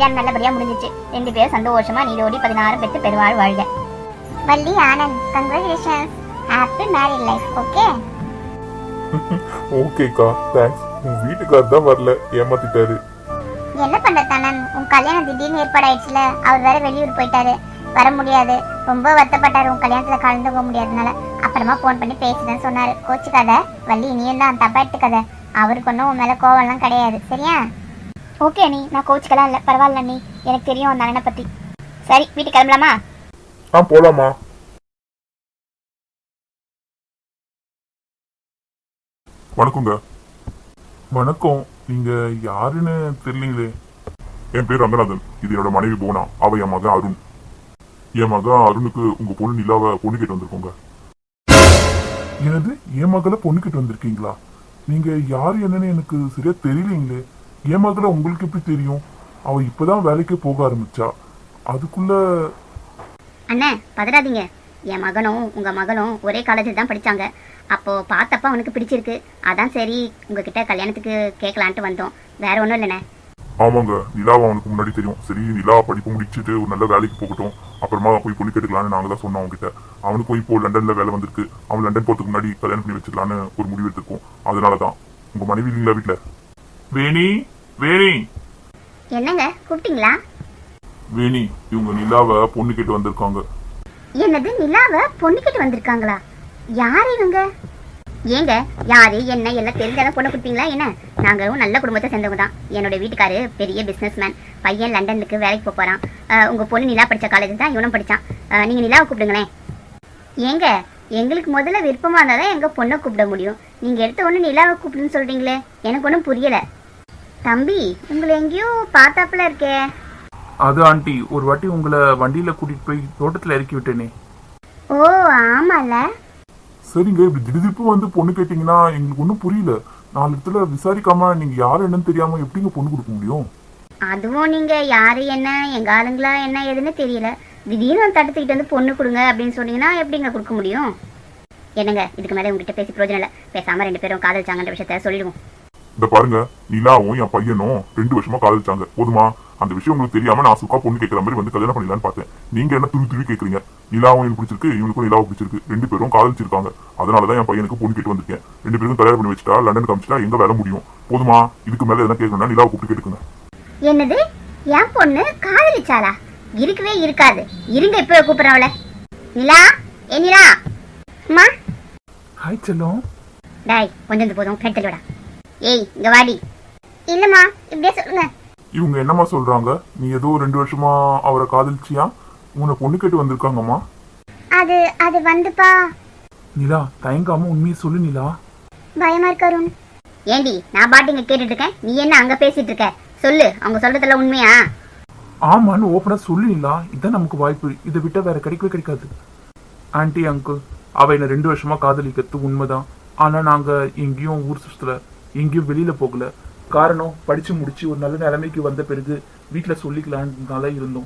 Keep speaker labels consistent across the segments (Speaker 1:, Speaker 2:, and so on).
Speaker 1: கல்யாணம் நல்லபடியா முடிஞ்சிச்சு. 2 பேரும் சந்தோஷமா நீடோடி 16 பெற்று பெருவாழ் வாழ்க. Valli Anand, congratulations. Happy married life. Okay
Speaker 2: ஓகேக்கா, தேங்க்ஸ். உன் வீட்டுக்காரர் தான் வரல, ஏமாத்திட்டாரு.
Speaker 1: என்ன பண்றது ஆனந்த், உன் கல்யாணம் திடீர்னு ஏற்பாடாயிடுச்சுல. அவர் வேற வெளியூர் போயிட்டாரு, வர முடியாது. ரொம்ப வருத்தப்பட்டாரு உன் கல்யாணத்துல கலந்துக்க முடியாதனால. அப்புறமா போன் பண்ணி பேசுறேன்னு சொன்னாரு. கோச்சுக்காத வள்ளி, நீயும் தான் தப்பா எடுத்துக்காத. அவருக்கு ஒன்றும் உன் மேல கோவம்லாம் கிடையாது, சரியா? ஓகே நீ, நான் கோச்சுக்கலாம் இல்லை, பரவாயில்ல நீ, எனக்கு தெரியும் அந்த அண்ணனை பத்தி. சரி, வீட்டுக்கு கிளம்பலாமா?
Speaker 2: போலாமா? வணக்கங்க. வணக்கம். நீங்க யாருன்னு தெரியலீங்களே. என் பேர் ரங்கநாதன். இது என்னோட மனைவி போனா. அவ என் மகன் அருண். என் மகன் அருணுக்கு உங்க பொண்ணு நிலாவை பொண்ணு கேட்டு வந்திருக்கோங்க. என்னது, என் மகளை பொண்ணு கேட்டு வந்திருக்கீங்களா? நீங்க யாரு என்னன்னு எனக்கு சரியா தெரியலீங்களே. என் மகளை உங்களுக்கு எப்படி தெரியும்? அவ இப்பதான் வேலைக்கே போக ஆரம்பிச்சா. அதுக்குள்ள
Speaker 1: அண்ணே பதறாதீங்க. என் மகனும் உங்க மகளும் ஒரே காலேஜில் தான் படிச்சாங்க. அப்போ பார்த்தப்ப அவனுக்கு பிடிச்சிருக்கு. அதான் சரி உங்ககிட்ட கல்யாணத்துக்கு கேட்கலான்ட்டு வந்தோம், வேற ஒன்றும் இல்லைண்ணே.
Speaker 2: ஆமாங்க, நிலாவை அவனுக்கு முன்னாடி தெரியும். சரி, நிலா படிப்பு முடிச்சுட்டு ஒரு நல்ல வேலைக்கு போகட்டும், அப்புறமா போய் பொண்ணு கேட்டுக்கலான்னு நாங்க தான் சொன்னோம் அவங்ககிட்ட. அவனுக்கு இப்போ லண்டன்ல வேலை வந்திருக்கு. அவன் லண்டன் போறதுக்கு முன்னாடி கல்யாணம் பண்ணி வச்சிடலான்னு ஒரு முடிவு எடுத்திருக்கோம். அதனாலதான். உங்க மனைவி இல்லைங்களா வீட்டுல? வேணி, வேணி.
Speaker 1: என்னங்க கூப்பிட்டீங்களா?
Speaker 2: வேணி, இவங்க நிலாவை பொண்ணு கேட்டு வந்திருக்காங்க.
Speaker 1: என்னது, நிலாவை பொண்ணு கேட்டு வந்திருக்காங்களா? யாரு இவங்க? ஏங்க யாரு என்ன எல்லாம் தெரிஞ்சாலும் பொண்ணு கொடுப்பீங்களா என்ன? நாங்களும் நல்ல குடும்பத்தை சேர்ந்தவங்க தான். என்னோட வீட்டுக்காரு பெரிய பிசினஸ் மேன். பையன் லண்டனுக்கு வேலைக்கு போறான். உங்க பொண்ணு நிலா படிச்ச காலேஜ் தான் இவனும் படிச்சான். நீங்க நிலாவை கூப்பிடுங்களேன். ஏங்க எங்களுக்கு முதல்ல விருப்பமா இருந்தாதான் எங்க பொண்ணை கூப்பிட முடியும். நீங்க எடுத்த ஒண்ணு நிலாவை கூப்பிடுன்னு சொல்றீங்களே, எனக்கு ஒன்றும் புரியல. தம்பி, உங்களை எங்கேயோ பார்த்தாப்புல இருக்கே.
Speaker 3: அது ஆண்டி, ஒரு வாட்டி உங்களை வண்டியில கூட்டிட்டு போய் தோட்டத்துல இறக்கி விட்டேனே.
Speaker 1: ஓ ஆமால.
Speaker 2: சரிங்க, இப்படி திடீர்னு வந்து பொண்ணு கேட்டீங்கன்னா எங்களுக்கு ஒன்றும் புரியல. 4 இடத்துல விசாரிக்காம நீங்க யாரு என்னன்னு தெரியாம எப்படிங்க பொண்ணு கொடுக்க முடியும்?
Speaker 1: அதுவும் நீங்க யாரு என்ன, எங்க ஆளுங்களா என்ன ஏதுன்னு தெரியல. திடீர்னு தடுத்துக்கிட்டு வந்து பொண்ணு கொடுங்க அப்படின்னு சொன்னீங்கன்னா எப்படிங்க கொடுக்க முடியும்? என்னங்க, இதுக்கு மேலே உங்ககிட்ட பேசி பிரயோஜனம் இல்லை. பேசாம 2 பேரும் காதலிச்சாங்கன்ற விஷயத்த சொல்லிடுவோம்.
Speaker 2: இந்த பாருங்க, நிலாவும் என் பையனும் 2 வருஷமா காதலிச்சாங்க. போதுமா? அந்த விஷயம் உங்களுக்கு தெரியாம நான் சுக்கா பொண்ணு கேட்கற மாதிரி வந்து கல்யாணம் பண்ணிடலான்னு பார்த்தேன். நீங்க என்ன துருவி கேட்கறீங்க? நிலாவும் எனக்கு பிடிச்சிருக்கு, இவனுக்கும் நிலாவும் பிடிச்சிருக்கு. 2 பேரும் காதலிச்சிருக்காங்க. அதனாலதான் என் பையனுக்கு பொண்ணு கேட்டு வந்திருக்கேன். 2 பேரும் கல்யாணம் பண்ணி வச்சுட்டா லண்டன் காமிச்சிட்டா எங்க வேலை முடியும்? போதுமா? இதுக்கு மேல எதனா கேட்கணும்னா நிலாவை கூப்பிட்டு கேட்டுக்குங்க.
Speaker 1: என்னது, என் பொண்ணு காதலிச்சாளா? இருக்கவே இருக்காது. இருங்க இப்ப கூப்பிடுறவள. நிலா, ஏ நிலா. அம்மா.
Speaker 3: ஹாய் செல்லம்.
Speaker 1: டாய் கொஞ்சம் போதும், கேட்டலோடா. ஏய் இங்க வாடி. இல்லம்மா, இப்படியே சொல்லுங்க.
Speaker 2: இவங்க என்னம்மா சொல்றாங்க? நீ ஏதோ 2 வருஷமா அவரை காதலிச்சியா? உன்னை பொண்ணு கேட்டு வந்திருக்காங்கம்மா.
Speaker 1: அது வந்துப்பா.
Speaker 3: நிலா, தயங்காம உண்மையை சொல்லு நிலா.
Speaker 1: பயமா இருக்கு அருண். ஏண்டி, நான் பாட்டிங்க கேட்டுட்டு இருக்கேன், நீ என்ன அங்க பேசிட்டு இருக்க? சொல்லு, அவங்க சொல்றதுல உண்மையா?
Speaker 3: ஆமான்னு ஓப்பனா சொல்லு நிலா. இதான் நமக்கு வாய்ப்பு. இதை விட்டா வேற கிடைக்கவே கிடைக்காது. ஆன்டி அங்கிள், அவ என்ன 2 வருஷமா காதலிக்கிறது உண்மைதான். ஆனா நாங்க எங்கேயும் ஊர் சுத்தல, எங்கேயும் வெளியில போகல. காரணம், படிச்சு முடிச்சு ஒரு நல்ல நிலைமைக்கு வந்த பிறகு வீட்டுல சொல்லிக்கலாம்னால இருந்தோம்.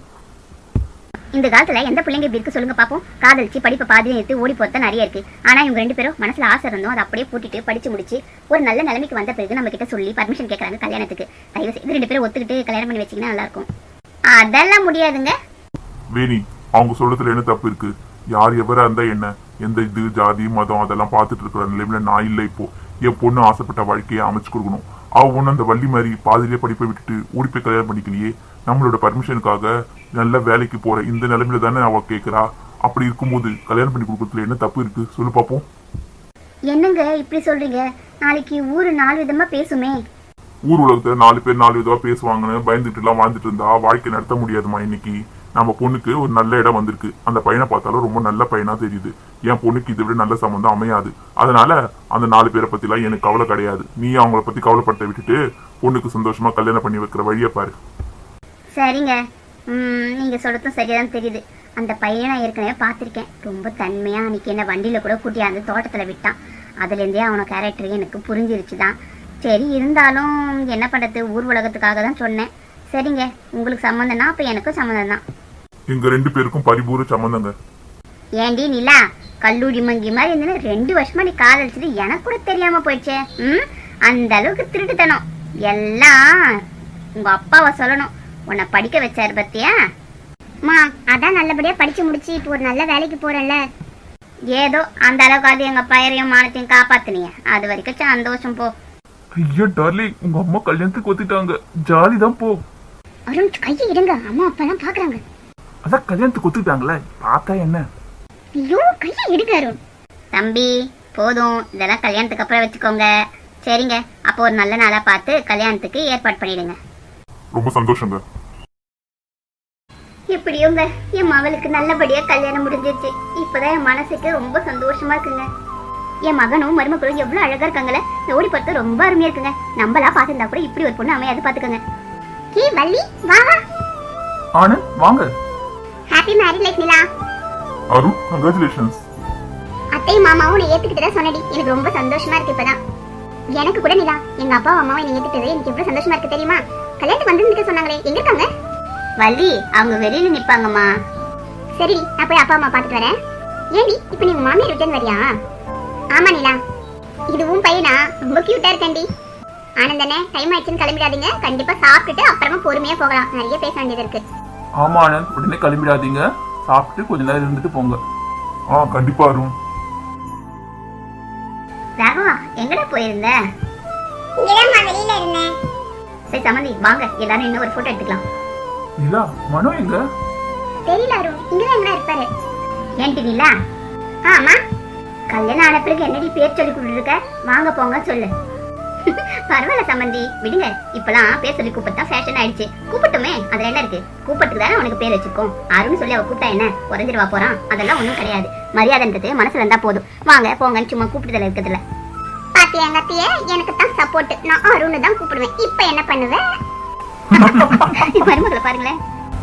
Speaker 1: இந்த காலத்துல எந்த பிள்ளைங்க இப்படி இருக்கு சொல்லுங்க பாப்போம்? காதலிச்சு படிப்பை பாதி எடுத்து ஓடி போறது நிறைய இருக்கு. ஆனா இவங்க 2 பேரும் மனசுல ஆசை இருந்தோம், அதை அப்படியே பூட்டிட்டு படிச்சு முடிச்சு ஒரு நல்ல நிலைமைக்கு வந்த பிறகு நம்ம கிட்ட சொல்லி பர்மிஷன் கேட்கறாங்க கல்யாணத்துக்கு. தயவு செய்து 2 பேரும் ஒத்துக்கிட்டு கல்யாணம் பண்ணி வச்சீங்கன்னா நல்லா இருக்கும். அதெல்லாம் முடியாதுங்க.
Speaker 2: வேணி, அவங்க சொல்றதுல என்ன தப்பு இருக்கு? யார் எவரா இருந்தா என்ன? எந்த இது ஜாதி மதம் அதெல்லாம் பார்த்துட்டு இருக்கிற நிலைமையில நான் இல்லை. இப்போ என் பொண்ணு ஆசைப்பட்ட வாழ்க்கையை அமைச்சு கொடுக்கணும். அவ ஒண்ணு அந்த வள்ளி மாதிரி பாதியிலே படிப்பை விட்டுட்டு ஓடி போய் கல்யாணம் பண்ணிக்கலையே. நம்மளோட பர்மிஷனுக்காக நல்ல வேலைக்கு போற இந்த நிலைமையில தானே அவ கேட்கறா. அப்படி இருக்கும்போது கல்யாணம் பண்ணி கொடுக்கறதுல என்ன தப்பு இருக்கு சொல்லு பாப்போம்.
Speaker 1: என்னங்க இப்படி சொல்றீங்க? நாளைக்கு ஊரு 4 விதமா பேசுமே.
Speaker 2: ஊர் உலகத்துல 4 பேர் 4 விதமா பேசுவாங்கன்னு பயந்துட்டு எல்லாம் வாழ்ந்துட்டு இருந்தா வாழ்க்கை நடத்த முடியாதுமா. இன்னைக்கு நம்ம பொண்ணுக்கு ஒரு நல்ல இடம் வந்திருக்கு. அந்த பையனை பார்த்தாலும் ரொம்ப நல்ல பையனா தெரியுது. என் பொண்ணுக்கு இதை விட நல்ல சம்பந்தம் அமையாது. அதனால அந்த 4 பேரை பத்தி எல்லாம் எனக்கு கவலை கிடையாது. நீ அவங்கள பத்தி கவலைப்பட்ட விட்டுட்டு பொண்ணுக்கு சந்தோஷமா கல்யாணம் பண்ணி வைக்கிற வழியை பாரு.
Speaker 1: சரிங்க, நீங்க சொல்றதும் சரியாதான் தெரியுது. அந்த பையனை ஏற்கனவே பார்த்திருக்கேன். ரொம்ப தன்மையா அன்னைக்கு என்ன வண்டியில கூட கூட்டியாந்து தோட்டத்துல விட்டான். அதுல இருந்தே அவனோட கேரக்டர் எனக்கு புரிஞ்சிருச்சுதான். சரி, இருந்தாலும் என்ன பண்றது, ஊர் உலகத்துக்காக தான் சொன்னேன். சரிங்க, உங்களுக்கு சம்மந்தம்னா அப்ப எனக்கும் சம்மந்தம் தான்.
Speaker 2: எங்க 2 பேருக்கும் பரிபூர சம்மந்தங்க.
Speaker 1: ஏண்டி நிலா, கல்லூரி மங்கி மாதிரி இருந்தேன்னு 2 வருஷமா நீ காதலிச்சது எனக்கு கூட தெரியாம போயிடுச்சே. அந்த அளவுக்கு திருட்டுத்தனம் எல்லாம் உங்க அப்பாவை சொல்லணும். உன்னை படிக்க வச்சாரு பத்தியா? மா அதான் நல்லபடியா படிச்சு முடிச்சு இப்போ ஒரு நல்ல வேலைக்கு போறேன்ல. ஏதோ அந்த அளவுக்காவது எங்க பையரையும் மானத்தையும் காப்பாத்துனீங்க, அது வரைக்கும் சந்தோஷம் போ.
Speaker 3: ஐயோ டார்லிங், உங்க அம்மா கல்யாணத்துக்கு ஒத்துட்டாங்க, ஜாலி தான் போ.
Speaker 1: அருண் கையை இடுங்க, அம்மா அப்பெல்லாம் பாக்குறாங்க.
Speaker 3: அதான் கல்யாணத்துக்கு ஒத்துக்கிட்டாங்களே, பார்த்தா என்ன?
Speaker 1: ஐயோ கையை இடுங்க அருண். தம்பி போதும், இதெல்லாம் கல்யாணத்துக்கு அப்புறம் வச்சுக்கோங்க. சரிங்க, அப்போ ஒரு நல்ல நாளா பார்த்து கல்யாணத்துக்கு ஏற்பாடு பண்ணிடுங்க.
Speaker 2: ரொம்ப சந்தோஷங்க.
Speaker 1: இப்படியோங்க என் மகளுக்கு நல்லபடியா கல்யாணம் முடிஞ்சிருச்சு. இப்பதான் என் மனசுக்கு ரொம்ப சந்தோஷமா இருக்குங்க. என் மகனும் மருமக்களும் எவ்வளவு அழகா இருக்காங்களே. ஓடி பார்த்து ரொம்ப அருமையா இருக்குங்க. நம்மளா பார்த்திருந்தா கூட இப்படி ஒரு பொண்ணு அமையாது, பாத்துக்கோங்க. கீ வள்ளி வா வா.
Speaker 3: ஆனந்த் வாங்க.
Speaker 1: Happy married life Nila.
Speaker 2: Arun congratulations.
Speaker 1: அத்தையும் மாமாவும் உன்னை ஏத்துக்கிட்டதா சொன்னடி, எனக்கு ரொம்ப சந்தோஷமா இருக்கு. இப்பதான் எனக்கு கூட நிலா, எங்க அப்பா அம்மாவும் என்னை ஏத்துக்கிட்டது எனக்கு எவ்வளவு சந்தோஷமா இருக்கு தெரியுமா? கல்யாணத்துக்கு வந்து சொன்னாங்களே, எங்க இருக்காங்க? வள்ளி அவங்க வெளியில நிப்பாங்கம்மா. சரி, நான் போய் அப்பா அம்மா பாத்துட்டு வரேன். ஏடி இப்ப நீ உங்க மாமியார் ரிட்டர்ன் வரியா? ஆமா நிலா. இதுவும் பையனா ரொம்ப கியூட்டா இருக்கண்டி. ஆனந்தனே டைம் ஆயிடுச்சுன்னு கிளம்பிடாதீங்க, கண்டிப்பா சாப்பிட்டுட்டு அப்புறமா பொறுமையா போகலாம், நிறைய பேச வேண்டியது இருக்கு.
Speaker 3: ஆமா ஆனந்த், உடனே கிளம்பிடாதீங்க, சாப்பிட்டு கொஞ்ச நேரம் இருந்துட்டு போங்க.
Speaker 2: கண்டிப்பா அருண்.
Speaker 1: ராகவா எங்கடா போயிருந்த? வெளியில இருந்தேன். சரி சமந்தி வாங்க, எல்லாரும் இன்னும் ஒரு போட்டோ எடுத்துக்கலாம்.
Speaker 3: நிலா, மனோ எங்க?
Speaker 1: தெரியல அருண், இங்கதான் எங்கடா இருப்பாரு. ஏன்டி நிலா? ஆமா, கல்யாணம் ஆன பிறகு என்னடி பேர் சொல்லி கூப்பிட்டு இருக்க? வாங்க போங்க சொல்லு. பரவாயில்ல சம்பந்தி விடுங்க, இப்பெல்லாம் பேர் சொல்லி கூப்பிட்டா ஃபேஷன் ஆயிடுச்சு. கூப்பிட்டுமே, அதுல என்ன இருக்கு? கூப்பிட்டு தானே உனக்கு பேர் வச்சிருக்கோம். அருண் சொல்லி அவ கூப்பிட்டா என்ன உறைஞ்சிருவா போறான்? அதெல்லாம் ஒண்ணும் கிடையாது. மரியாதைன்றது மனசுல இருந்தா போதும். வாங்க போங்கன்னு சும்மா கூப்பிட்டுல இருக்கிறதுல. பாத்தியா எங்க அத்தையே, எனக்கு தான் சப்போர்ட். நான் அருண் தான் கூப்பிடுவேன். இப்ப என்ன பண்ணுவேன்? மருமகளை பாருங்களேன்.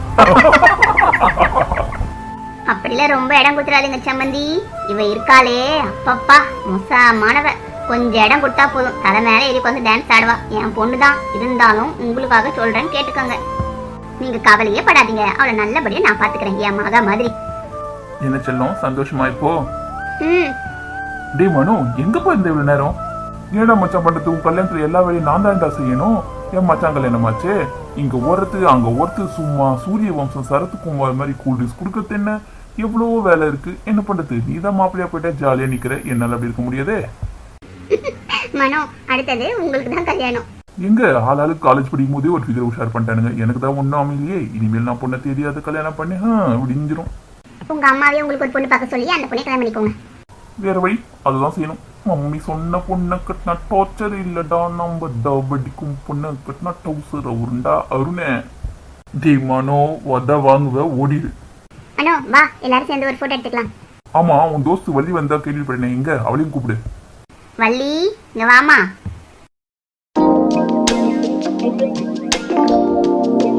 Speaker 1: அப்படிலாம் ரொம்ப இடம் கொடுத்துறாதுங்க சம்மந்தி. இவ இருக்காளே அப்பப்பா மோசமானவ. கொஞ்சம் இடம் கொடுத்தா போதும், தலை மேல ஏறி வந்து டான்ஸ் ஆடுவா. என் பொண்ணுதான், இருந்தாலும் உங்களுக்காக சொல்றேன்னு கேட்டுக்கோங்க. நீங்க கவலையே படாதீங்க, அவளை நல்லபடியா நான் பாத்துக்கிறேன், என் மகா மாதிரி.
Speaker 3: என்ன செல்லம், சந்தோஷமா இப்போ?
Speaker 1: ம்.
Speaker 3: டே மனு, எங்க போயிருந்த இவ்வளவு நேரம்?
Speaker 2: ஏடா மச்சான் பண்றது, உன் கல்யாணத்துல எல்லா வேலையும் நான் தான்டா செய்யணும். என் மச்சான் கல்யாணமாச்சு, இங்க ஓரத்து அங்க ஓரத்து, சும்மா சூரிய வம்சம் சரத்துக்குமார் மாதிரி கூல் ட்ரிங்க்ஸ் கொடுக்கறது என்ன, எவ்வளவோ வேலை இருக்கு. என்ன பண்றது, நீ தான் மாப்பிள்ளையா போயிட்டா ஜாலியா நிக்கிற, என்னால அப்படி இருக்க முடியாதே.
Speaker 1: மனோ, அடுத்தது உங்களுக்கு தான் கல்யாணம்.
Speaker 2: எங்க ஆளாளுக்கு காலேஜ் படிக்கும் போதே ஒரு ஃபிகர் உஷார் பண்ணிட்டானுங்க. எனக்கு தான் ஒன்றும் அமையிலையே. இனிமேல் நான் பொண்ணை தெரியாத கல்யாணம் பண்ணி விடிஞ்சிரும்.
Speaker 1: உங்க அம்மாவே உங்களுக்கு ஒரு பொண்ணு பார்க்க சொல்லி அந்த பொண்ணை கல்யாணம் பண்ணிக்கோங்க.
Speaker 2: வேற வழி, அதுதான் செய்யணும். மம்மி சொன்ன பொண்ணை கட்டினா டார்ச்சர் இல்லடா, நம்ம டபடிக்கும் பொண்ணை கட்டினா டவுசர் உருண்டா அருணே. டே மனோ, வத வாங்குவ ஓடிடு.
Speaker 1: மனோ வா, எல்லாரும் சேர்ந்து ஒரு போட்டோ எடுத்துக்கலாம்.
Speaker 2: ஆமா, உன் தோஸ்து வள்ளி வந்தா கேள்விப்பட்டேன், எங்க அவளையும் கூப்பிடு.
Speaker 1: வள்ளி இங்க வாமா.